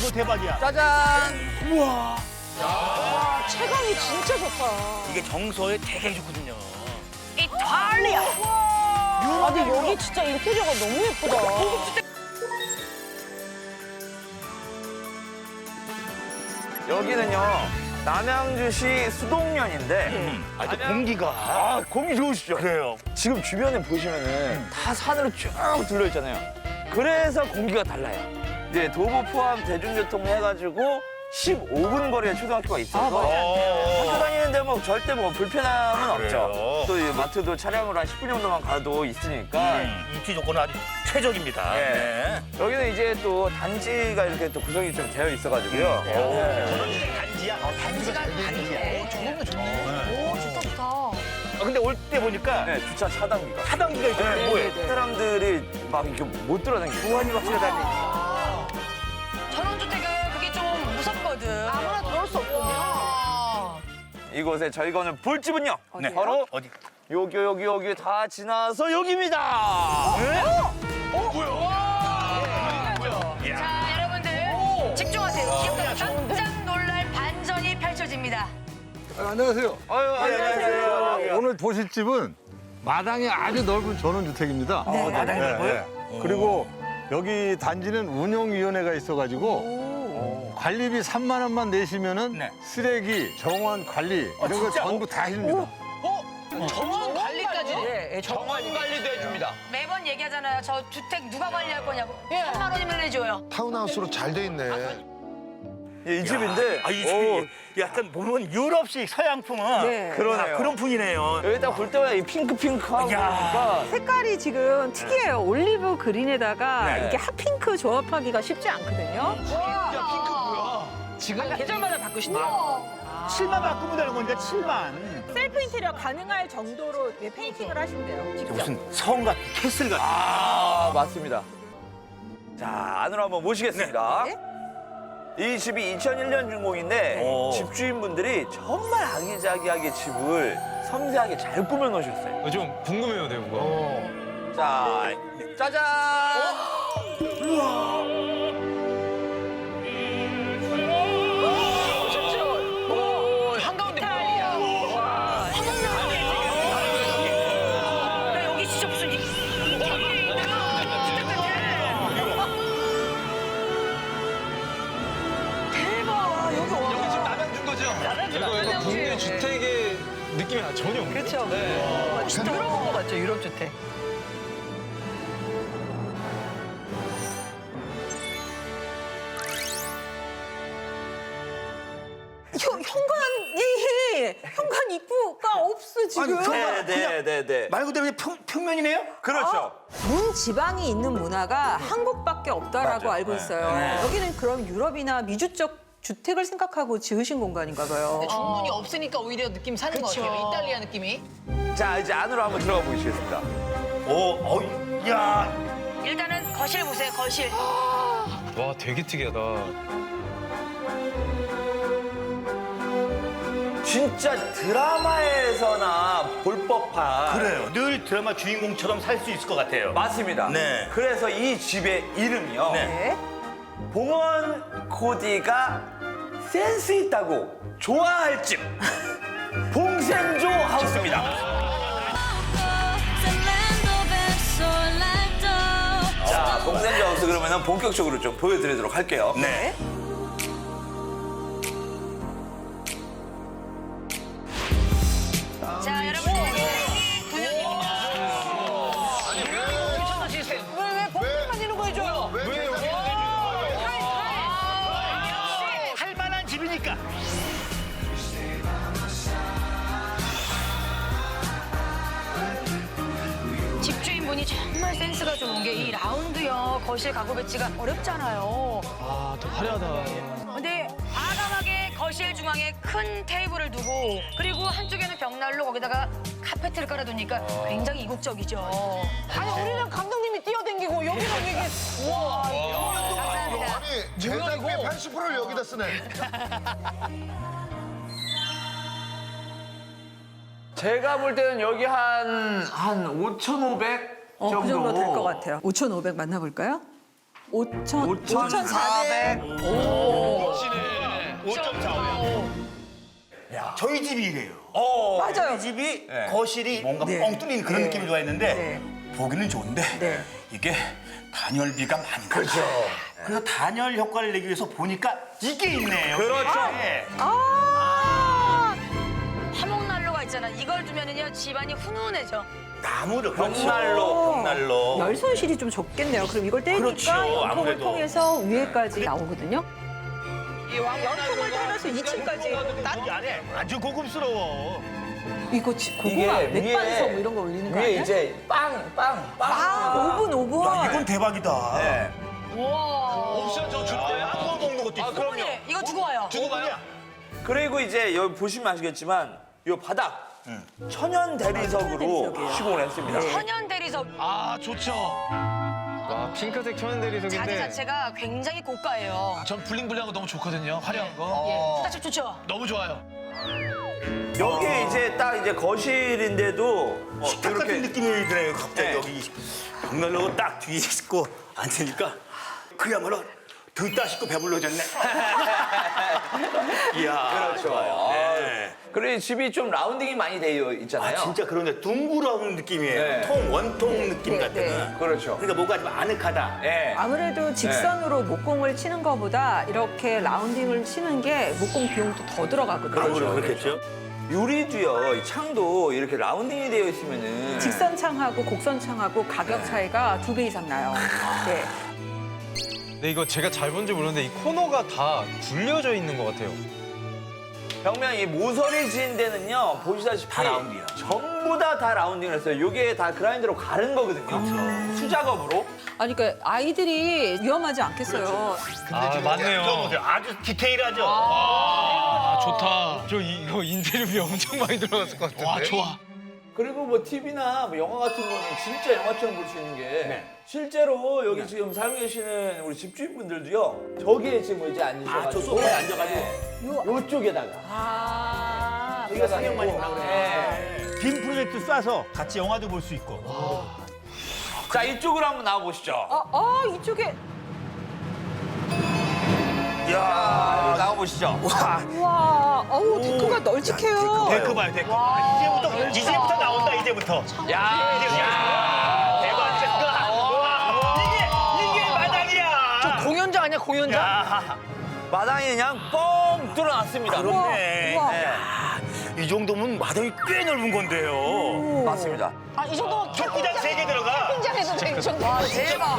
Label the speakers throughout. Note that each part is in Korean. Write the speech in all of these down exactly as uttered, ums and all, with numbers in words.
Speaker 1: 이거 대박이야.
Speaker 2: 짜잔.
Speaker 1: 우와.
Speaker 3: 와, 체감이 진짜 좋다.
Speaker 1: 이게 정서에 되게 좋거든요.
Speaker 3: 이탈리아. 아, 근데 여기 진짜 인테리어가 너무 예쁘다.
Speaker 2: 여기는요 남양주시 수동면인데
Speaker 1: 음, 아주 공기가.
Speaker 2: 아 공기 좋으시죠?
Speaker 1: 그래요.
Speaker 2: 지금 주변에 보시면은 다 산으로 쭉 둘러 있잖아요. 그래서 공기가 달라요. 이제 도보 포함 대중교통 해가지고 십오 분 거리에 초등학교가 있어서 학교 다니는데 뭐 절대 뭐 불편함은
Speaker 1: 그래요?
Speaker 2: 없죠. 또 이 마트도 차량으로 한 십 분 정도만 가도 있으니까.
Speaker 1: 음, 입지 조건은 아주 최적입니다.
Speaker 2: 네.
Speaker 1: 네.
Speaker 2: 여기는 이제 또 단지가 이렇게 또 구성이 좀 되어 있어가지고요. 네.
Speaker 1: 단지야? 어, 단지가 단지야.
Speaker 3: 저거는 좋네. 오, 좋다, 좋다.
Speaker 1: 아, 근데 올 때 보니까
Speaker 2: 네, 주차 차단기가.
Speaker 1: 차단기가 있잖아요.
Speaker 2: 네,
Speaker 1: 뭐예요?
Speaker 3: 네.
Speaker 2: 사람들이 막 이렇게 못 돌아다니고.
Speaker 1: 보안이 확실히 다니.
Speaker 4: 전원주택은 그게 좀 무섭거든.
Speaker 3: 아무나 들어올 수 없군요.
Speaker 2: 이곳에 저희 거는 볼집은요.
Speaker 1: 네.
Speaker 2: 바로
Speaker 1: 어디?
Speaker 2: 여기 여기 여기 다 지나서 여기입니다.
Speaker 1: 네?
Speaker 4: 자, 여러분들 집중하세요. 기억나 깜짝 놀랄 반전이 펼쳐집니다.
Speaker 5: 아, 안녕하세요.
Speaker 2: 아유, 안녕하세요.
Speaker 5: 오늘 보실 집은 마당이 아주 넓은 전원주택입니다.
Speaker 1: 네. 마당이 넓어요?
Speaker 5: 네. 그리고 여기 단지는 운영위원회가 있어가지고 관리비 삼만 원만 내시면은
Speaker 1: 네.
Speaker 5: 쓰레기, 정원 관리 이런 거
Speaker 1: 진짜?
Speaker 5: 전부 다 해줍니다.
Speaker 4: 정원 관리까지.
Speaker 3: 네, 정원
Speaker 2: 관리도 해줍니다.
Speaker 4: 매번 얘기하잖아요. 저 주택 누가 관리할 거냐고. 삼만 원이면 내줘요.
Speaker 6: 타운하우스로 잘 돼 있네.
Speaker 2: 예, 이 집인데.
Speaker 1: 아, 이
Speaker 2: 오,
Speaker 1: 집이 약간 보면 유럽식 서양풍은
Speaker 3: 네.
Speaker 2: 그러네요.
Speaker 1: 아, 그런 풍이네요.
Speaker 2: 여기 딱 볼 때마다 이 핑크핑크하고
Speaker 1: 야.
Speaker 2: 그러니까
Speaker 7: 색깔이 지금 특이해요. 올리브 그린에다가
Speaker 1: 네.
Speaker 7: 이게 핫핑크 조합하기가 쉽지 않거든요.
Speaker 3: 지금 계절마다 바꾸신다.
Speaker 1: 칠만 바꾸면 되는 거니까 칠만.
Speaker 7: 셀프 인테리어 가능할 정도로 예, 페인팅을 하신대요. 직접.
Speaker 1: 무슨 성 같은 캐슬 같은.
Speaker 2: 아 맞습니다. 자 안으로 한번 모시겠습니다.
Speaker 7: 네.
Speaker 2: 이 집이 이천일 년 준공인데
Speaker 1: 오.
Speaker 2: 집주인분들이 정말 아기자기하게 집을 섬세하게 잘 꾸며 놓으셨어요.
Speaker 8: 좀 궁금해요, 내부가.
Speaker 2: 자 짜잔.
Speaker 4: 한가운데 이탈리아. 나 여기 진짜 무슨 이- 대박. 여기 와.
Speaker 8: 여기 지금 남양준 거죠? 이거 이거 국내 주택의 느낌이 전혀 없는데.
Speaker 3: 그렇죠. 네. 진짜 유럽 온것 같죠, 유럽 주택.
Speaker 7: 현, 현관이 현관 입구가 없어 지금.
Speaker 1: 아니, 저-
Speaker 2: 네네네네.
Speaker 1: 말 그대로 그냥 평, 평면이네요?
Speaker 2: 그렇죠.
Speaker 7: 문 지방이 있는 문화가 한국밖에 없다라고
Speaker 1: 맞아요.
Speaker 7: 알고
Speaker 1: 네.
Speaker 7: 있어요.
Speaker 1: 네.
Speaker 7: 여기는 그럼 유럽이나 미주 쪽 주택을 생각하고 지으신 공간인가 봐요.
Speaker 3: 중문이 없으니까 오히려 느낌 사는 것 같아요. 이탈리아 느낌이.
Speaker 2: 자 이제 안으로 한번 들어가 보시겠습니다.
Speaker 1: 오, 어이, 야.
Speaker 4: 일단은 거실 보세요. 거실.
Speaker 8: 와, 되게 특이하다.
Speaker 2: 진짜 드라마에서나 볼 법한.
Speaker 1: 그래요. 늘 드라마 주인공처럼 살 수 있을 것 같아요.
Speaker 2: 맞습니다.
Speaker 1: 네.
Speaker 2: 그래서 이 집의 이름이요.
Speaker 1: 네.
Speaker 7: 네.
Speaker 2: 봉원 코디가 센스 있다고 좋아할 집 봉센조 하우스입니다. 자, 봉센조 하우스 그러면 본격적으로 좀 보여드리도록 할게요.
Speaker 1: 네.
Speaker 4: 자, 여러분. 두 년입니다.
Speaker 3: 미쳤다, 시스템. 왜, 왜 봄만 이런 거 해줘요?
Speaker 1: 할 만한 집이니까.
Speaker 4: 집주인분이 정말 센스가 좋은 게 이 라운드형 거실 가구 배치가 어렵잖아요.
Speaker 8: 아, 더 화려하다.
Speaker 4: 근데 과감하게 거실 중앙에 큰 테이블을 두고 그리고 한쪽에는 벽난로 거기다가 카페트를 깔아두니까 굉장히 이국적이죠.
Speaker 3: 아니, 우리는 감독님이 뛰어댕기고 여기는 이게. 우와.
Speaker 4: 감사합니다.
Speaker 6: 아니 제작비 팔십 퍼센트를 여기다 쓰네.
Speaker 2: 제가 볼 때는 여기 한, 한 오천오백
Speaker 7: 어,
Speaker 2: 정도.
Speaker 7: 그 정도 될 것 같아요. 오천오백 만나볼까요? 오천,
Speaker 2: 오천사백.
Speaker 7: 오,
Speaker 1: 저희 집이 이래요.
Speaker 2: 어,
Speaker 7: 맞아요.
Speaker 1: 저희 집이
Speaker 2: 네.
Speaker 1: 거실이 뭔가
Speaker 7: 네.
Speaker 1: 뻥 뚫린 그런
Speaker 7: 네.
Speaker 1: 느낌을 좋아했는데
Speaker 7: 네.
Speaker 1: 보기는 좋은데
Speaker 7: 네.
Speaker 1: 이게 단열비가 많이 나가. 그렇죠. 그래서 단열 효과를 내기 위해서 보니까 이게 있네요.
Speaker 2: 그렇죠.
Speaker 1: 네.
Speaker 7: 아,
Speaker 4: 화목난로가 있잖아. 이걸 두면은요 집안이 훈훈해져.
Speaker 1: 나무를
Speaker 2: 벽난로,
Speaker 1: 벽난로.
Speaker 7: 열 손실이 좀 적겠네요. 그럼 이걸 떼니까
Speaker 1: 그렇죠,
Speaker 7: 연통을
Speaker 1: 아무래도.
Speaker 7: 통해서 위에까지 나오거든요. 연통을
Speaker 8: 연통을
Speaker 7: 따라서 이 층까지.
Speaker 1: 여기 안에 아주 고급스러워.
Speaker 7: 이거 지- 고구마
Speaker 2: 이게
Speaker 7: 맥반석
Speaker 2: 위에-
Speaker 7: 뭐 이런 거 올리는 거
Speaker 2: 위에
Speaker 7: 아니야?
Speaker 2: 이제 빵, 빵, 빵.
Speaker 7: 아, 오븐 오븐.
Speaker 1: 야, 이건 대박이다.
Speaker 2: 네.
Speaker 4: 우와.
Speaker 8: 옵션 저 줄 거예요?
Speaker 1: 구워 먹는 것도 있어.
Speaker 4: 어머니 이거 두고 와요.
Speaker 8: 주고 가요?
Speaker 2: 그리고 이제 여기 보시면 아시겠지만 이 바닥 천연 대리석으로
Speaker 7: 대리석이에요.
Speaker 2: 시공을 했습니다.
Speaker 4: 천연 대리석
Speaker 8: 아, 좋죠. 와, 핑크색 천연
Speaker 4: 자재
Speaker 8: 대리석인데.
Speaker 4: 자체가 굉장히 고가예요.
Speaker 8: 전 블링블링한 거 너무 좋거든요. 화려한 거.
Speaker 4: 예, 스타일 좋죠.
Speaker 8: 너무 좋아요.
Speaker 2: 여기 이제 딱 이제 거실인데도 어,
Speaker 1: 식탁 같은 느낌이 들어요. 갑자기
Speaker 2: 네.
Speaker 1: 여기 벽난로가 딱 뒤에 있고 앉으니까 그야말로 듣다 싶고 배불러졌네. 이야, 좋아요. 네.
Speaker 2: 그리고 집이 좀 라운딩이 많이 되어 있잖아요.
Speaker 1: 아, 진짜 그런데 둥그러운 느낌이에요.
Speaker 2: 네.
Speaker 1: 통, 원통 느낌
Speaker 7: 네,
Speaker 1: 같은.
Speaker 7: 네.
Speaker 2: 그렇죠.
Speaker 1: 그러니까 뭔가 좀 아늑하다.
Speaker 2: 예.
Speaker 7: 아무래도 직선으로 목공을 치는 것보다 이렇게 라운딩을 치는 게 목공 비용도 더 들어가거든요.
Speaker 1: 아무래도 그렇겠죠.
Speaker 2: 유리도요, 이 창도 이렇게 라운딩이 되어 있으면은
Speaker 7: 직선 창하고 곡선 창하고 가격 차이가 두 배 이상 나요. 네.
Speaker 8: 근데 이거 제가 잘 본지 모르는데 이 코너가 다 굴려져 있는 것 같아요.
Speaker 2: 벽면 이 모서리 지은 데는요, 보시다시피
Speaker 1: 다 라운딩이야.
Speaker 2: 전부 다 다 라운딩을 했어요. 이게 다 그라인더로 가른 거거든요. 수작업으로.
Speaker 7: 아니 그러니까 아이들이 위험하지 않겠어요.
Speaker 8: 아,
Speaker 1: 저
Speaker 8: 맞네요.
Speaker 1: 보세요. 아주 디테일하죠.
Speaker 8: 아, 좋다. 저 이- 이거 인테리어비 엄청 많이 들어갔을 것 같은데. 와, 좋아.
Speaker 2: 그리고 뭐 티비나 뭐 영화 같은 거는 진짜 영화처럼 볼 수 있는 게 실제로 여기 지금 살고 계시는 우리 집주인분들도요, 저기에 지금 이제 앉으셔가지고
Speaker 1: 아, 저 소파에 앉아가지고.
Speaker 7: 요,
Speaker 2: 요쪽에다가
Speaker 7: 아,
Speaker 2: 여기가
Speaker 1: 상영관이
Speaker 2: 상영관이라고
Speaker 1: 그래. 빔 프로젝트 쏴서 같이 영화도 볼 수 있고.
Speaker 2: 자, 이쪽으로 한번 나와 보시죠.
Speaker 7: 어, 어 이쪽에
Speaker 2: 야, 나와 보시죠.
Speaker 1: 와,
Speaker 7: 와, 어우 데크가 널찍해요.
Speaker 1: 데크 봐요, 데크. 이제부터, 이제부터 나온다, 이제부터.
Speaker 2: 야, 야,
Speaker 1: 대박. 와, 이게, 이게 마당이야.
Speaker 4: 공연장 아니야 공연장?
Speaker 1: 야,
Speaker 2: 마당이 그냥 뻥 뚫어놨습니다.
Speaker 1: 그렇네.
Speaker 7: 우와.
Speaker 2: 네,
Speaker 1: 이 정도면 마당이 꽤 넓은 건데요.
Speaker 2: 맞습니다.
Speaker 4: 아 이 정도면
Speaker 1: 축구장 세 개 들어가.
Speaker 4: 캠핑장에도 돼, 이 정도. 와 대박.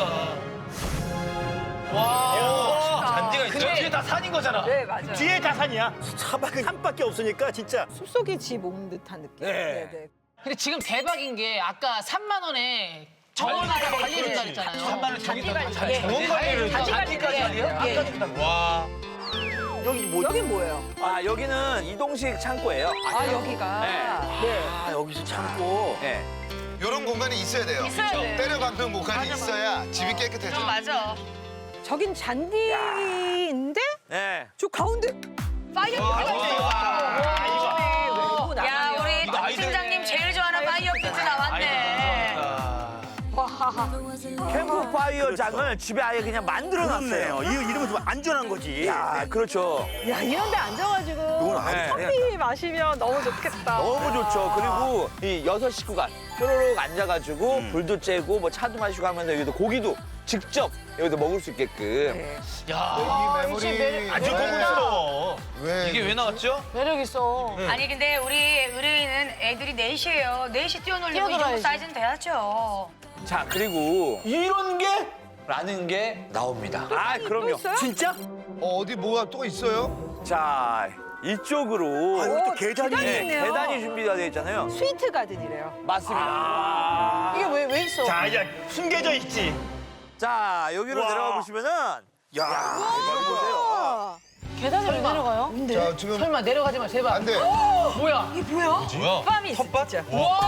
Speaker 8: 와, 잔디가 있어요? 뒤에 다 산인 거잖아.
Speaker 7: 네 맞아요.
Speaker 1: 뒤에 다 산이야. 차밖에 산밖에 없으니까 진짜.
Speaker 7: 숲속에 집 온 듯한 느낌.
Speaker 1: 네.
Speaker 7: 네.
Speaker 9: 근데 지금 대박인 게 아까 삼만 원에 정원 관리해준다 그랬잖아요.
Speaker 8: 삼만 원 저기다 다
Speaker 9: 예.
Speaker 8: 정원 관리를
Speaker 9: 잔디
Speaker 8: 잔디까지
Speaker 9: 관리를
Speaker 8: 하네요?
Speaker 9: 예.
Speaker 8: 와.
Speaker 1: 여기 뭐?
Speaker 7: 여긴 뭐예요?
Speaker 2: 아, 여기는 이동식 창고예요.
Speaker 7: 아 여기가 네.
Speaker 1: 아, 여기서 참고.
Speaker 2: 네.
Speaker 6: 이런 공간이 있어야 돼요.
Speaker 4: 있어야 돼.
Speaker 6: 때려박는 공간이 있어야 집이 깨끗해져.
Speaker 4: 좀 맞아.
Speaker 7: 저긴 잔디인데
Speaker 2: 네.
Speaker 7: 저 가운데
Speaker 4: 파이어
Speaker 7: 외부
Speaker 4: 야
Speaker 7: 나가네요.
Speaker 4: 우리
Speaker 8: 이거 아이들-
Speaker 4: 팀장님 제일 좋아하는 파이어 피트 나왔네.
Speaker 2: 캠프파이어장을 집에 아예 그냥 만들어놨어요.
Speaker 1: 그렇네요. 이 이름은 좀 안전한 거지.
Speaker 2: 야, 그렇죠.
Speaker 7: 야 이런데 앉아가지고
Speaker 2: 네.
Speaker 7: 커피 마시면 너무 좋겠다.
Speaker 2: 너무 좋죠. 그리고 이 여섯 식구가 쪼로록 앉아가지고 불도 쬐고 뭐 차도 마시고 하면서 여기도 고기도 직접 여기서 먹을 수 있게끔.
Speaker 7: 네.
Speaker 8: 야,
Speaker 6: 이 메모리
Speaker 1: 아주 고급스러워.
Speaker 6: 왜
Speaker 8: 이게 왜 나왔죠?
Speaker 9: 매력 있어.
Speaker 4: 아니 근데 우리 의뢰인은 애들이 넷이에요. 넷이 뛰어놀리고 이 정도
Speaker 9: 뛰어놀아야지.
Speaker 4: 사이즈는 돼야죠.
Speaker 2: 자, 그리고 이런 게 라는 게 나옵니다. 아, 그럼요.
Speaker 7: 있어요?
Speaker 1: 진짜?
Speaker 6: 어, 어디 뭐가 또 있어요?
Speaker 2: 자, 이쪽으로
Speaker 1: 아, 여기 또
Speaker 7: 오,
Speaker 1: 계단이.
Speaker 7: 계단이
Speaker 2: 네,
Speaker 7: 있네요.
Speaker 2: 계단이 준비가 되어 있잖아요.
Speaker 7: 스위트 가든이래요.
Speaker 2: 맞습니다.
Speaker 1: 아.
Speaker 9: 이게 왜, 왜 있어?
Speaker 1: 자, 이제 숨겨져 있지.
Speaker 2: 자, 여기로
Speaker 1: 와.
Speaker 2: 내려가 보시면은
Speaker 1: 야,
Speaker 2: 여기 보세요.
Speaker 9: 계단을 왜 내려가요?
Speaker 6: 자, 지금
Speaker 9: 설마 내려가지 마, 제발.
Speaker 6: 안 돼.
Speaker 9: 뭐야?
Speaker 7: 이게 뭐야?
Speaker 8: 뭐야?
Speaker 7: 밤이 텃밭? 진짜.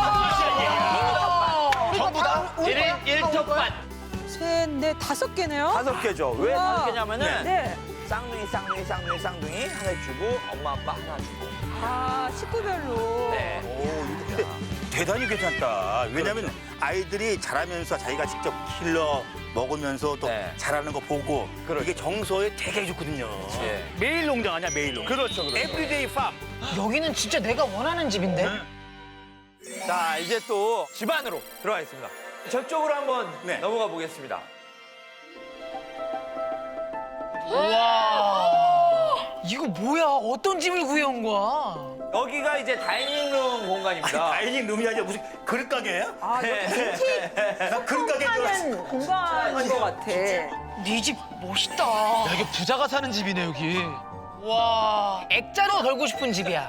Speaker 8: 전부 다?
Speaker 9: 일 톱반.
Speaker 7: 셋, 넷, 다섯 개네요.
Speaker 2: 다섯 개죠. 왜
Speaker 7: 우와.
Speaker 2: 다섯 개냐면은
Speaker 7: 네.
Speaker 2: 쌍둥이, 쌍둥이, 쌍둥이, 쌍둥이 하나 주고 엄마, 아빠 하나 주고.
Speaker 7: 아 식구별로.
Speaker 2: 네.
Speaker 1: 오, 이거 근데 대단히 괜찮다. 왜냐면 아이들이 자라면서 자기가 직접 길러 먹으면서 또
Speaker 2: 네.
Speaker 1: 자라는 거 보고
Speaker 2: 그렇죠.
Speaker 1: 이게 정서에 되게 좋거든요.
Speaker 2: 예.
Speaker 1: 매일 농장 아니야 매일 농장.
Speaker 2: 그렇죠, 그렇죠.
Speaker 1: 에브리데이 팜.
Speaker 9: 여기는 진짜 내가 원하는 집인데.
Speaker 2: 자, 이제 또 집 안으로 들어가겠습니다. 저쪽으로 한번
Speaker 1: 네.
Speaker 2: 넘어가 보겠습니다.
Speaker 9: 와. 이거 뭐야? 어떤 집을 구해온 거야?
Speaker 2: 여기가 이제 다이닝룸 공간입니다.
Speaker 1: 다이닝 룸이 아니라 무슨 그릇 가게야?
Speaker 7: 아, 여기 앤틱
Speaker 1: 나 그릇 가게인 줄 알았어.
Speaker 7: 하는 공간인 것 같아.
Speaker 9: 네 집 멋있다. 야,
Speaker 8: 이게 부자가 사는 집이네 여기.
Speaker 9: 와. 액자로 걸고 싶은 집이야.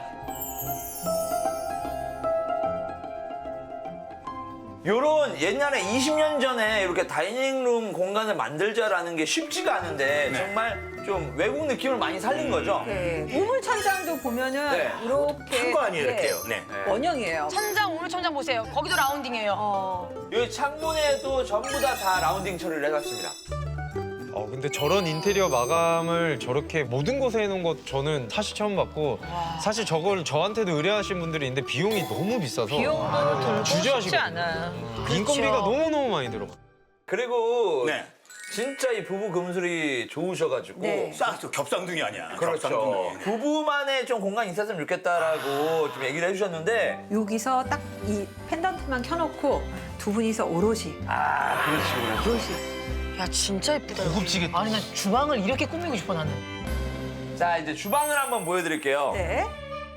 Speaker 2: 요런 옛날에 이십 년 전에 이렇게 다이닝룸 공간을 만들자라는 게 쉽지가 않은데 정말 좀 외국 느낌을 많이 살린 거죠.
Speaker 7: 네. 우물 천장도 보면은
Speaker 2: 네.
Speaker 7: 이렇게
Speaker 1: 큰 거 아니에요
Speaker 7: 네,
Speaker 1: 이렇게요. 네.
Speaker 7: 원형이에요.
Speaker 4: 천장, 오늘 천장 보세요. 거기도 라운딩이에요.
Speaker 7: 어,
Speaker 2: 여기 창문에도 전부 다 다 라운딩 처리를 해놨습니다.
Speaker 8: 어 근데 저런 인테리어 마감을 저렇게 모든 곳에 해놓은 것 저는 사실 처음 봤고 사실 저걸 저한테도 의뢰하신 분들이 있는데 비용이 너무 비싸서
Speaker 3: 비용도 들고 쉽지
Speaker 8: 주저하시거든요.
Speaker 3: 않아.
Speaker 8: 인건비가 너무너무 많이 들어.
Speaker 2: 그리고
Speaker 1: 네.
Speaker 2: 진짜 이 부부 금술이 좋으셔가지고
Speaker 7: 네.
Speaker 1: 싹 겹상둥이 아니야.
Speaker 2: 그렇죠.
Speaker 1: 겹상둥이.
Speaker 2: 부부만의 좀 공간이 있었으면 좋겠다라고 좀 얘기를 해주셨는데
Speaker 7: 여기서 딱 이 펜던트만 켜놓고 두 분이서 오롯이
Speaker 2: 아 그렇지 그렇지.
Speaker 7: 오롯이.
Speaker 4: 야, 진짜 예쁘다. 여기.
Speaker 8: 고급지겠다.
Speaker 9: 아니, 난 주방을 이렇게 꾸미고 싶어, 나는.
Speaker 2: 자 이제 주방을 한번 보여드릴게요.
Speaker 7: 네.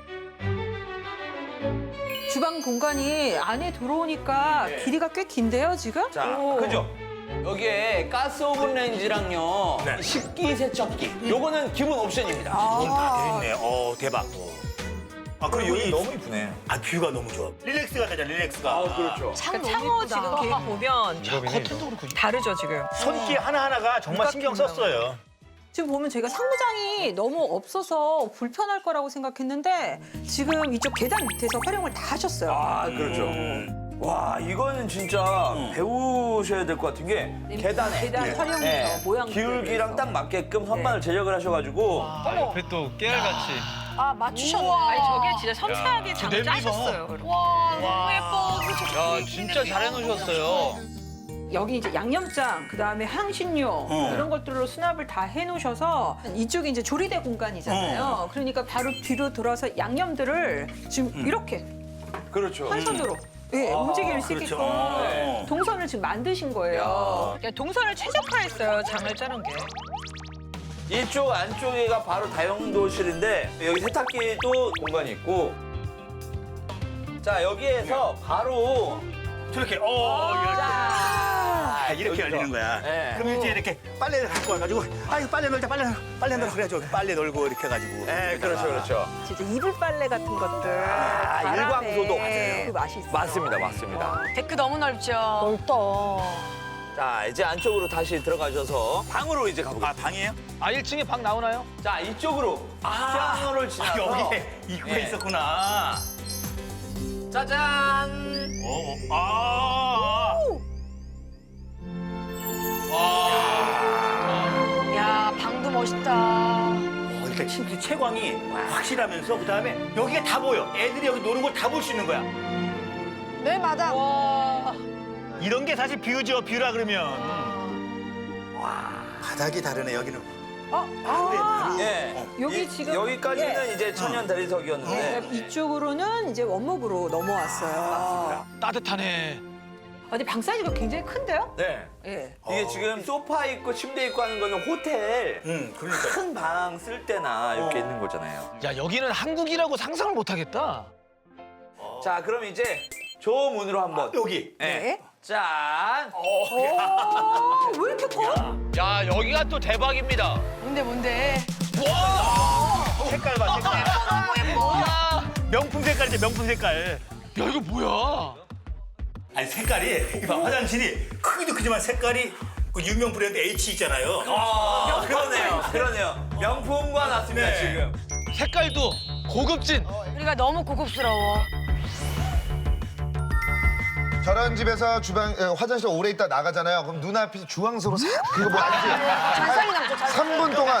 Speaker 7: 주방 공간이 안에 들어오니까
Speaker 2: 네.
Speaker 7: 길이가 꽤 긴데요, 지금?
Speaker 2: 자
Speaker 7: 오.
Speaker 2: 그죠? 여기에 가스 오븐 레인지랑요
Speaker 1: 네.
Speaker 2: 식기 세척기 요거는 기본 옵션입니다.
Speaker 1: 돈 다 돼있네. 어 대박. 아 그리고 여기
Speaker 2: 너무 이쁘네.
Speaker 1: 아 뷰가 너무 좋아. 릴렉스가 되잖아 릴렉스가.
Speaker 2: 아 그렇죠.
Speaker 3: 그 창호 지금 계획 보면
Speaker 8: 직업이네.
Speaker 3: 다르죠 지금.
Speaker 1: 손길 하나 하나가 정말 신경 썼어요.
Speaker 7: 지금 보면 저희가 상부장이 너무 없어서 불편할 거라고 생각했는데 지금 이쪽 계단 밑에서 활용을 다 하셨어요.
Speaker 2: 아 그렇죠.
Speaker 1: 음.
Speaker 2: 와 이거는 진짜 배우셔야 될 것 같은 게 계단에
Speaker 7: 계단
Speaker 2: 네.
Speaker 7: 활용해서
Speaker 2: 네.
Speaker 7: 모양
Speaker 2: 기울기랑 딱 맞게끔 선반을 제작을 하셔가지고
Speaker 8: 아, 옆에 또 깨알같이.
Speaker 4: 아, 맞추셨네.
Speaker 3: 아니 저게 진짜 섬세하게 장
Speaker 8: 냄비 봐.
Speaker 3: 짜셨어요. 이렇게.
Speaker 4: 와, 너무 예뻐. 그렇죠.
Speaker 2: 야 진짜 잘해놓으셨어요.
Speaker 7: 여기 이제 양념장, 그다음에 향신료
Speaker 1: 어.
Speaker 7: 이런 것들로 수납을 다 해놓으셔서 이쪽이 이제 조리대 공간이잖아요. 그러니까 바로 뒤로 돌아서 양념들을 지금 이렇게
Speaker 2: 그렇죠.
Speaker 7: 한 손으로 예, 움직일 수
Speaker 1: 그렇죠.
Speaker 7: 있게끔
Speaker 1: 어.
Speaker 7: 동선을 지금 만드신 거예요.
Speaker 3: 야, 동선을 최적화했어요 장을 짜는 게.
Speaker 2: 이쪽 안쪽에가 바로 다용도실인데 여기 세탁기도 공간이 있고 자 여기에서 바로
Speaker 1: 저렇게 어 이렇게. 아, 이렇게
Speaker 2: 여기서.
Speaker 1: 열리는 거야.
Speaker 2: 네.
Speaker 1: 그럼 이제 이렇게 빨래를 갖고 와가지고 아 이거 빨래 널자 빨래 널 빨래 널어 그래가지고 빨래 널고 이렇게 해가지고.
Speaker 2: 네 그렇죠 그렇죠.
Speaker 7: 진짜 이불 빨래 같은 것들
Speaker 2: 아,
Speaker 7: 바람에
Speaker 2: 일광소도 맞아요.
Speaker 7: 그 맛이 있어요.
Speaker 2: 맞습니다 맞습니다.
Speaker 4: 데크 너무 넓죠.
Speaker 9: 넓다.
Speaker 2: 자 이제 안쪽으로 다시 들어가셔서 방으로 이제
Speaker 1: 아
Speaker 2: 가보겠습니다.
Speaker 1: 방이에요?
Speaker 8: 아 일 층에 방 나오나요?
Speaker 2: 자 이쪽으로 피아노를
Speaker 1: 아
Speaker 2: 지나서
Speaker 1: 여기에 입구에
Speaker 2: 예.
Speaker 1: 있었구나.
Speaker 2: 짜잔.
Speaker 1: 어, 아.
Speaker 4: 야, 방도 멋있다.
Speaker 1: 어, 일단 침대 채광이 확실하면서 그 다음에 여기가 다 보여. 애들이 여기 노는 걸 다 볼 수 있는 거야.
Speaker 4: 네, 마당. 와.
Speaker 1: 이런 게 사실 뷰죠. 뷰라 그러면. 와 바닥이 다르네 여기는.
Speaker 7: 어, 아,
Speaker 2: 예.
Speaker 7: 여기
Speaker 2: 이-
Speaker 7: 지금-
Speaker 2: 여기까지는
Speaker 7: 예.
Speaker 2: 이제 천연 대리석이었는데
Speaker 7: 네, 이쪽으로는 이제 원목으로 넘어왔어요.
Speaker 8: 따뜻하네.
Speaker 7: 아, 근데 방 사이즈가 굉장히 큰데요?
Speaker 2: 네.
Speaker 7: 예.
Speaker 2: 이게 지금 소파 있고 침대 있고 하는 거는 호텔
Speaker 1: 응 그러니까.
Speaker 2: 큰 방 쓸 때나 이렇게
Speaker 1: 어.
Speaker 2: 있는 거잖아요.
Speaker 8: 야 여기는 한국이라고 상상을 못하겠다.
Speaker 2: 자 그럼 이제 저 문으로 한번
Speaker 1: 여기.
Speaker 2: 네.
Speaker 7: 네.
Speaker 2: 짠.
Speaker 7: 오, 왜 이렇게 커?
Speaker 8: 야 여기가 또 대박입니다.
Speaker 4: 뭔데, 뭔데?
Speaker 1: 색깔 봐 색깔.
Speaker 4: 너무 예뻐.
Speaker 1: 명품 색깔이지 명품 색깔.
Speaker 8: 야 이거 뭐야?
Speaker 1: 아니 색깔이 이봐 화장실이 크기도 크지만 색깔이 그 유명 브랜드 H 있잖아요.
Speaker 2: 아, 그러네요. 그러네요. 명품과 났습니다
Speaker 1: 네.
Speaker 2: 지금.
Speaker 8: 색깔도 고급진.
Speaker 4: 우리가 너무 고급스러워.
Speaker 6: 저런 집에서 주방 에, 화장실 오래 있다 나가잖아요. 그럼 눈앞이 주황색으로 싹 그거 뭐 알지?
Speaker 4: 잔상이 남죠, 잔상이.
Speaker 6: 삼 분 동안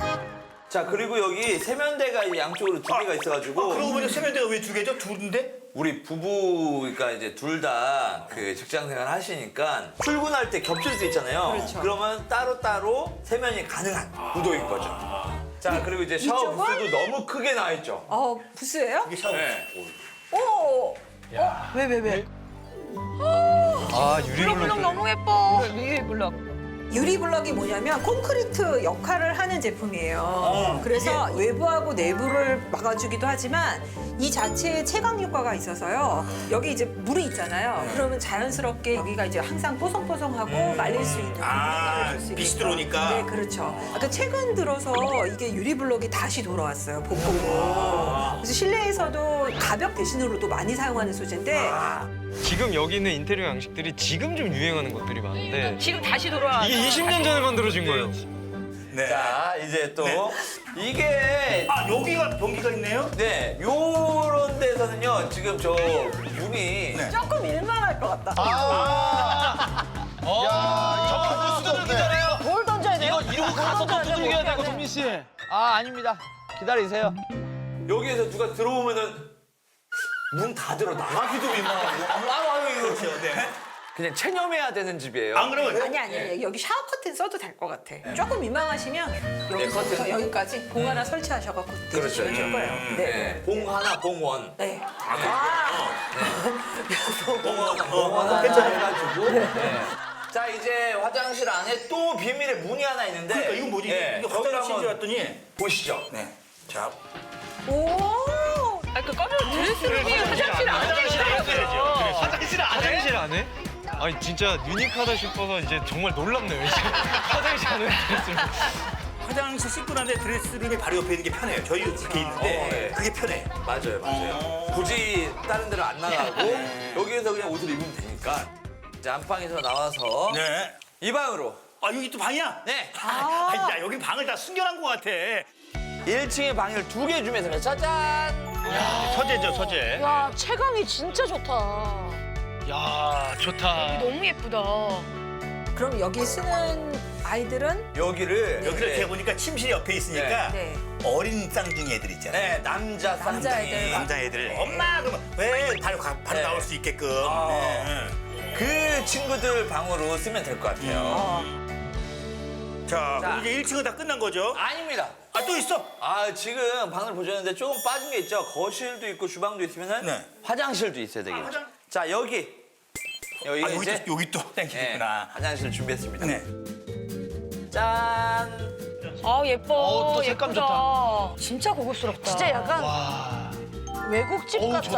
Speaker 2: 자 그리고 여기 세면대가 이 양쪽으로 두 개가 있어가지고
Speaker 1: 그러고 보니까 세면대가 왜 두 개죠? 둘인데?
Speaker 2: 우리 부부가 이제 둘 다 그 직장 생활 하시니까 출근할 때 겹칠 수 있잖아요.
Speaker 7: 그렇죠.
Speaker 2: 그러면 따로따로 세면이 가능한 구도인 거죠. 자, 그리고 이제 샤워
Speaker 7: 이쪽은?
Speaker 2: 부스도 너무 크게 나와 있죠.
Speaker 7: 어, 부스예요?
Speaker 1: 이게 샤워.
Speaker 2: 네.
Speaker 7: 오!
Speaker 3: 왜, 왜, 왜?
Speaker 8: 아,
Speaker 4: 블럭블럭
Speaker 8: 유리블럭.
Speaker 4: 너무 예뻐.
Speaker 3: 유리블럭.
Speaker 7: 유리블럭이 뭐냐면 콘크리트 역할을 하는 제품이에요. 그래서 외부하고 내부를 막아주기도 하지만 이 자체에 채광 효과가 있어서요. 여기 이제 물이 있잖아요. 그러면 자연스럽게 여기가 이제 항상 뽀송뽀송하고 말릴 수 있는
Speaker 1: 아,
Speaker 7: 공간을 줄수
Speaker 1: 빛이
Speaker 7: 있게끔.
Speaker 1: 들어오니까.
Speaker 7: 네, 그렇죠. 아까 최근 들어서 이게 유리블럭이 다시 돌아왔어요. 복고로. 그래서 실내에서도 가벽 대신으로도 많이 사용하는 소재인데
Speaker 8: 지금 여기 있는 인테리어 양식들이 지금 좀 유행하는 것들이 많은데
Speaker 4: 지금 다시 돌아와.
Speaker 8: 이게 이십 년 전에 만들어진 거예요.
Speaker 1: 네.
Speaker 2: 자, 이제 또
Speaker 1: 네.
Speaker 2: 이게
Speaker 1: 아, 여기가 변기가 있네요?
Speaker 2: 네, 요런 데서는요. 지금 저 문이
Speaker 1: 네.
Speaker 7: 조금 일만할 것 같다.
Speaker 6: 아. 야, 이거 찾을 수가 없네.
Speaker 3: 뭘 던져야 돼요?
Speaker 9: 이러고 가서 또 두들겨야 되고, 동민 씨.
Speaker 2: 아, 아닙니다. 기다리세요. 여기에서 누가 들어오면은 문 닫으러 나가기도 민망하고. 아무 아무 이거
Speaker 1: 그렇죠. 네.
Speaker 2: 그냥 체념해야 되는 집이에요.
Speaker 1: 안 그러면
Speaker 7: 아니 아니 여기 샤워 커튼 써도 될 것 같아. 조금 민망하시면 여기서부터
Speaker 2: 네, 커튼.
Speaker 7: 여기까지 봉 하나 설치하셔갖고
Speaker 2: 그렇죠.
Speaker 7: 대주시면 될 거예요.
Speaker 2: 네.
Speaker 7: 네.
Speaker 2: 봉 하나, 봉 원.
Speaker 7: 네.
Speaker 2: 봉 하나, 봉 하나 해가지고. 네. 자, 이제 화장실 안에 또 비밀의 문이 하나 있는데.
Speaker 1: 그러니까 이건 뭐지?
Speaker 2: 네,
Speaker 1: 이게
Speaker 2: 저기를
Speaker 1: 화장실인 줄
Speaker 2: 한번
Speaker 1: 알았더니.
Speaker 2: 보시죠.
Speaker 1: 네. 자,
Speaker 7: 오.
Speaker 4: 아, 그 꺼면 드레스룸이 화장실 안에 있어요.
Speaker 8: 화장실 안 해? 화장실 안 해? 아니 진짜 유니크하다 싶어서 이제 정말 놀랍네요. 이제. 화장실 안에 드레스룸.
Speaker 1: 화장실 씻고 난데 드레스룸이 바로 옆에 있는 게 편해요. 저희 이렇게 있는데
Speaker 2: 어, 네.
Speaker 1: 그게 편해.
Speaker 2: 맞아요, 맞아요. 굳이 다른 데로 안 나가고 여기에서 그냥 옷을 입으면 되니까. 이제 안방에서 나와서
Speaker 1: 네.
Speaker 2: 이 방으로.
Speaker 1: 아, 여기 또 방이야?
Speaker 2: 네.
Speaker 1: 아, 야, 여기 방을 다 숨겨놓은 것 같아.
Speaker 2: 일 층에 방을 두 개 주면서 짜잔.
Speaker 1: 서재죠, 서재.
Speaker 3: 야, 채광이 진짜 좋다.
Speaker 9: 야, 좋다.
Speaker 4: 너무 예쁘다.
Speaker 7: 그럼 여기 쓰는 아이들은
Speaker 2: 여기를
Speaker 1: 여기를 이렇게 보니까 침실이 옆에 있으니까
Speaker 7: 네.
Speaker 1: 어린 쌍둥이 애들 있잖아요.
Speaker 2: 네, 남자 쌍둥이.
Speaker 7: 남자애들.
Speaker 1: 남자애들. 엄마, 그러면 왜 바로, 가- 바로
Speaker 2: 네.
Speaker 1: 나올 수 있게끔.
Speaker 2: 아.
Speaker 1: 네.
Speaker 2: 그 친구들 방으로 쓰면 될 것 같아요.
Speaker 1: 자,
Speaker 2: 자.
Speaker 1: 그럼 이제 일 층은 다 끝난 거죠?
Speaker 2: 아닙니다.
Speaker 1: 아, 또 있어?
Speaker 2: 아, 지금 방을 보셨는데 조금 빠진 게 있죠. 거실도 있고 주방도 있으면은
Speaker 1: 네.
Speaker 2: 화장실도 있어야 되겠죠.
Speaker 1: 아, 화장-
Speaker 2: 자, 여기. 여기
Speaker 1: 아, 여기
Speaker 2: 이제
Speaker 1: 또, 여기 또
Speaker 2: 네,
Speaker 1: 땡기겠구나.
Speaker 2: 화장실 준비했습니다.
Speaker 1: 네.
Speaker 2: 짠.
Speaker 4: 아, 예뻐.
Speaker 9: 어, 또 색감
Speaker 4: 예쁘다. 진짜 고급스럽다.
Speaker 3: 진짜 약간
Speaker 9: 와.
Speaker 3: 외국집
Speaker 9: 어우,
Speaker 3: 같다.
Speaker 9: 좋다.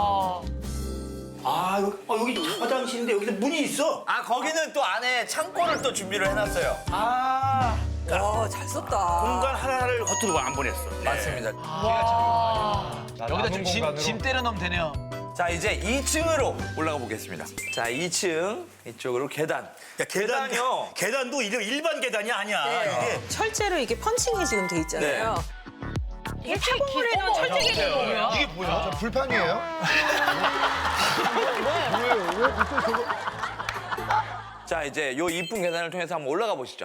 Speaker 1: 아, 여기, 어, 여기 화장실인데 여기서 문이 있어.
Speaker 2: 아, 거기는 또 안에 창고를 또 준비를 해놨어요.
Speaker 1: 아,
Speaker 7: 와, 잘 썼다.
Speaker 1: 공간 하나를 겉으로 안 보냈어. 네.
Speaker 2: 맞습니다.
Speaker 9: 여기다 좀 짐, 짐 때려 넣으면 되네요.
Speaker 2: 자, 이제 이 층으로 올라가 보겠습니다. 자, 이 층 이쪽으로 계단.
Speaker 1: 야, 계단,
Speaker 2: 계단이요?
Speaker 1: 계단도 일- 일반 계단이 아니야. 이게
Speaker 7: 철제로 이게 펀칭이 지금 돼 있잖아요.
Speaker 4: 이게 창고를 해놓은 철제기는 뭐야?
Speaker 9: 이게 뭐야?
Speaker 6: 저 불판이에요?
Speaker 2: 자, 이제 요 이쁜 계단을 통해서 한번 올라가 보시죠.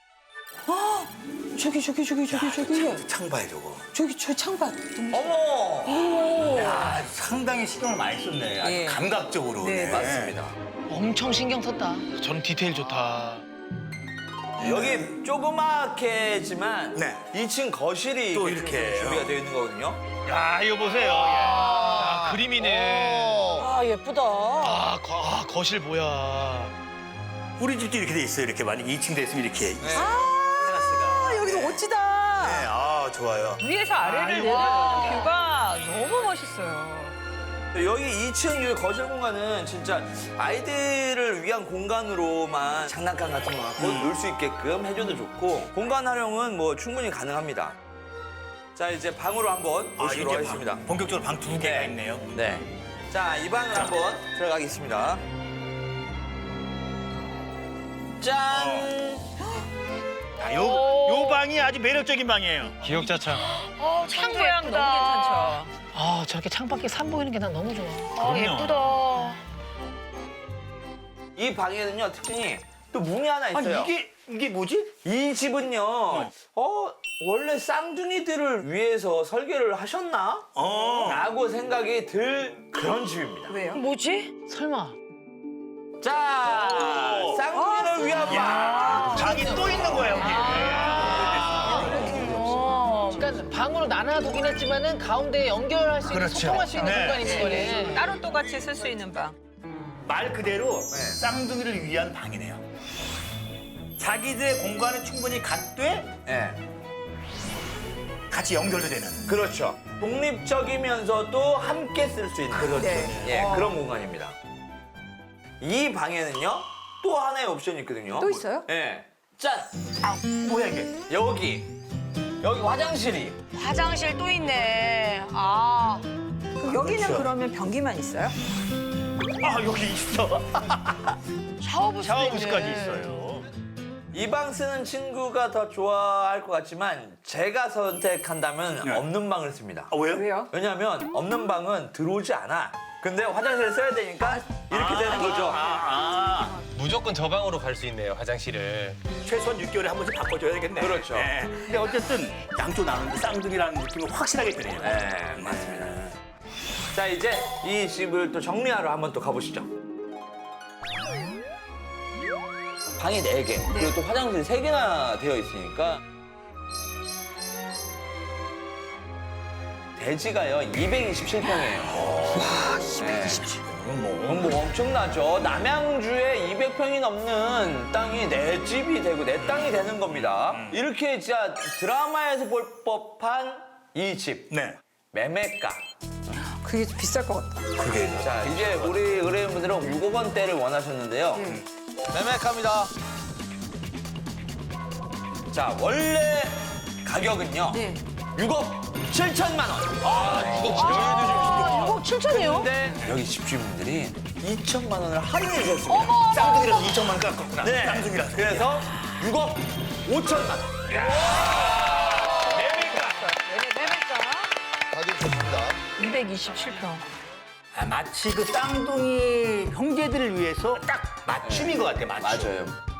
Speaker 7: 저기 저기 저기 저기 저기
Speaker 1: 창봐요, 저거.
Speaker 7: 저기 저 창밖.
Speaker 2: 어머!
Speaker 1: 야, 상당히 신경을 많이 썼네. 아주
Speaker 7: 예.
Speaker 1: 감각적으로.
Speaker 7: 네,
Speaker 2: 맞습니다.
Speaker 9: 엄청 신경 썼다. 전 디테일 좋다.
Speaker 2: 여기 조그맣게지만
Speaker 1: 네.
Speaker 2: 이 층 거실이
Speaker 1: 또
Speaker 2: 이렇게
Speaker 1: 이렇게
Speaker 2: 준비가 되어 있는 거거든요.
Speaker 9: 야, 이거 보세요. 야, 그림이네.
Speaker 3: 아, 예쁘다.
Speaker 9: 아, 거, 아, 거실 뭐야.
Speaker 1: 우리 집도 이렇게 돼 있어요. 이렇게 만약 이 층 됐으면 이렇게.
Speaker 2: 네.
Speaker 7: 아, 여기서 멋지다.
Speaker 1: 네, 아, 좋아요.
Speaker 4: 위에서 아래를 내려다보는 뷰가 너무 멋있어요.
Speaker 2: 여기 이 층 이 거실 공간은 진짜 아이들을 위한 공간으로만 장난감 같은 거 갖고
Speaker 1: 음.
Speaker 2: 놀 수 있게끔 해줘도 좋고 공간 활용은 뭐 충분히 가능합니다. 자, 이제 방으로 한번
Speaker 1: 아,
Speaker 2: 모시도록
Speaker 1: 이제
Speaker 2: 하겠습니다.
Speaker 1: 방, 본격적으로 방 두 개가
Speaker 2: 네.
Speaker 1: 있네요.
Speaker 2: 네. 자, 이 방을 한번 들어가겠습니다. 짠!
Speaker 1: 아, 요, 요 방이 아주 매력적인 방이에요.
Speaker 8: 기억자창.
Speaker 4: 어, 창 모양
Speaker 3: 너무 괜찮죠?
Speaker 9: 아, 저렇게 창밖에 산 보이는 게 난 너무 좋아.
Speaker 4: 아, 예쁘다.
Speaker 2: 이 방에는요, 특징이 또 문이 하나
Speaker 1: 아니,
Speaker 2: 있어요.
Speaker 1: 이게 이게 뭐지?
Speaker 2: 이 집은요, 어, 원래 쌍둥이들을 위해서 설계를 하셨나?
Speaker 1: 어.
Speaker 2: 라고 생각이 들 그런 집입니다.
Speaker 7: 왜요?
Speaker 4: 뭐지?
Speaker 9: 설마.
Speaker 2: 자, 쌍둥이를 위한 방.
Speaker 1: 야, 방이 또 있는 거야, 여기.
Speaker 9: 어, 그러니까 방으로 나눠두긴 했지만은 가운데 연결할 수 있는
Speaker 1: 그렇죠.
Speaker 9: 소통할 수 있는
Speaker 1: 네.
Speaker 9: 공간이 있는 거네.
Speaker 7: 따로 또 같이 쓸 수 있는 방.
Speaker 1: 말 그대로
Speaker 2: 네.
Speaker 1: 쌍둥이를 위한 방이네요. 자기들의 공간은 충분히 갖되
Speaker 2: 예,
Speaker 1: 같이 연결도 되는.
Speaker 2: 그렇죠. 독립적이면서도 함께 쓸 수 있는
Speaker 1: 그렇죠.
Speaker 7: 네.
Speaker 2: 예, 그런 공간입니다. 이 방에는요, 또 하나의 옵션이 있거든요.
Speaker 7: 또 있어요?
Speaker 2: 예. 짠!
Speaker 1: 아, 뭐야 이게?
Speaker 2: 여기. 여기 화장실이.
Speaker 4: 화장실 또 있네. 아.
Speaker 7: 그럼 여기는
Speaker 1: 그렇죠.
Speaker 7: 그러면 변기만 있어요?
Speaker 1: 아, 여기 있어.
Speaker 4: 샤워부스도
Speaker 1: 샤워부스까지
Speaker 4: 있네.
Speaker 1: 있어요.
Speaker 2: 이 방 쓰는 친구가 더 좋아할 것 같지만 제가 선택한다면
Speaker 1: 네.
Speaker 2: 없는 방을 씁니다.
Speaker 1: 아, 왜요?
Speaker 7: 왜요?
Speaker 2: 왜냐하면 없는 방은 들어오지 않아. 근데 화장실을 써야 되니까 이렇게 되는 거죠.
Speaker 1: 아, 아.
Speaker 8: 무조건 저 방으로 갈 수 있네요, 화장실을.
Speaker 1: 최소한 육 개월에 한 번씩 바꿔줘야 되겠네.
Speaker 2: 그렇죠.
Speaker 1: 네. 근데 어쨌든 양쪽 나누는데 쌍둥이라는 느낌이 확실하게 드네요.
Speaker 2: 네, 맞습니다. 자, 이제 이 집을 또 정리하러 한번 또 가보시죠. 방이 네 개, 그리고 또 화장실이 세 개나 되어 있으니까 대지가요 이백이십칠 평이에요. 와, 이백이십칠 평. 뭐, 뭐 엄청나죠. 남양주에 이백 평이 넘는 땅이 내 집이 되고 내 땅이 되는 겁니다. 이렇게 진짜 드라마에서 볼 법한 이 집.
Speaker 1: 네.
Speaker 2: 매매가.
Speaker 7: 그게 좀 비쌀 것 같다.
Speaker 1: 그게.
Speaker 2: 자, 이제 우리 의뢰인분들은 육억 원대를 원하셨는데요. 매매가입니다. 자, 원래 가격은요.
Speaker 7: 네.
Speaker 2: 육억 칠천만 원.
Speaker 9: 어, 칠천이요?
Speaker 2: 근데 여기 집주인분들이 이천만 원을 할인해 주셨습니다.
Speaker 1: 쌍둥이라서 이천만 원 깎았구나.
Speaker 2: 네.
Speaker 1: 쌍둥이라서.
Speaker 2: 그래서 육억 오천만 원.
Speaker 6: 가격 좋습니다.
Speaker 4: 이백이십칠 평.
Speaker 1: 아, 마치 그 쌍둥이 형제들을 위해서 딱 맞춤인 것 같아, 맞춤.
Speaker 2: 맞아요.